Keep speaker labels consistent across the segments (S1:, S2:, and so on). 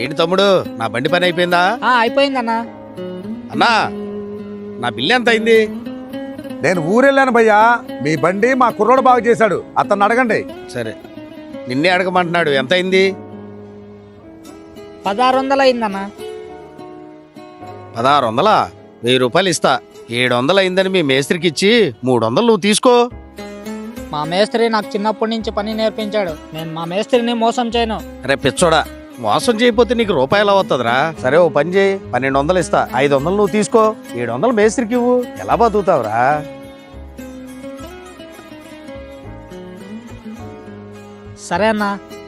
S1: ఏంటి తమ్ముడు, నా బండి పని అయిపోయిందా?
S2: అయిపోయిందన్నా.
S1: అన్నా, నా బిల్లు ఎంత అయింది?
S3: నేను ఊరెళ్ళాను భయ్యా, మీ బండి మా కుర్రోడు బాగు చేశాడు, అతన్ని అడగండి.
S1: సరే, నిన్నే అడగమంటున్నాడు. ఎంత అయింది?
S2: 1600 అయిందన్నా.
S1: 1600? 1000 రూపాయలు ఇస్తా. 700 అయిందని మీ మేస్త్రికి ఇచ్చి 300 నువ్వు తీసుకో.
S2: మా మేస్త్రి నాకు చిన్నప్పటి నుంచి పని నేర్పించాడు. నేను మా మేస్త్రిని మోసం చేయను.
S1: రే పిచ్చోడా, మోసం చేయకపోతే నీకు రూపాయలు అవుతుందిరా. సరే, ఓ పని చేయి, 1200 ఇస్తా. 500 నువ్వు తీసుకో, 700 మేస్త్రికి ఇవ్వు. ఎలా బతుకుతావురా?
S2: సరే అన్నా.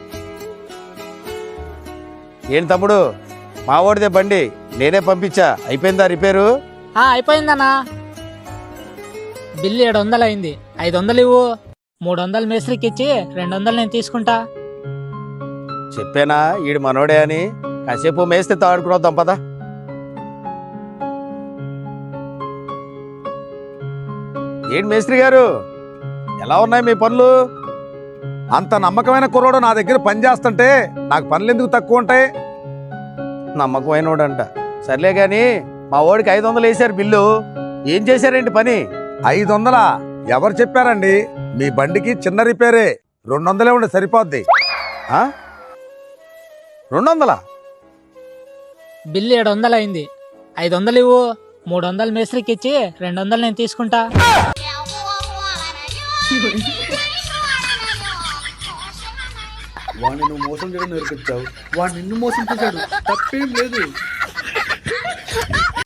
S1: ఏంటి తమ్ముడు, మా వాడిదే బండి, నేనే పంపించా. అయిపోయిందా రిపేరు?
S2: అయిపోయిందన్నా. బిల్లు 700 అయింది. 500 ఇవ్వు. 300 మేస్త్రికి ఇచ్చి 200 నేను తీసుకుంటా.
S1: చెప్పానా ఈడు మనోడే అని? కాసేపు మేస్తే తాడుకుని పదా. ఏంటి మేస్త్రి గారు, ఎలా ఉన్నాయి మీ పనులు?
S3: అంత నమ్మకమైన కుర్రోడు నా దగ్గర పని చేస్తుంటే నాకు పనులు ఎందుకు తక్కువ ఉంటాయి?
S1: నమ్మకమైనోడంట. సర్లే గాని మా వాడికి 500 వేసారు బిల్లు. ఏం చేశారేంటి పని?
S3: 500? ఎవరు చెప్పారండి? మీ బండికి చిన్న రిపేరే, 200 ఉండి సరిపోద్ది.
S1: 200?
S2: బిల్లు 700 అయింది. 500 ఇవ్వు. 300 మేస్త్రికి ఇచ్చి 200 నేను తీసుకుంటా.
S4: వాడిని నువ్వు మోసం చేయడం నేర్పించావు, వాడు నిన్ను మోసం చేశాడు, తప్పేం లేదు.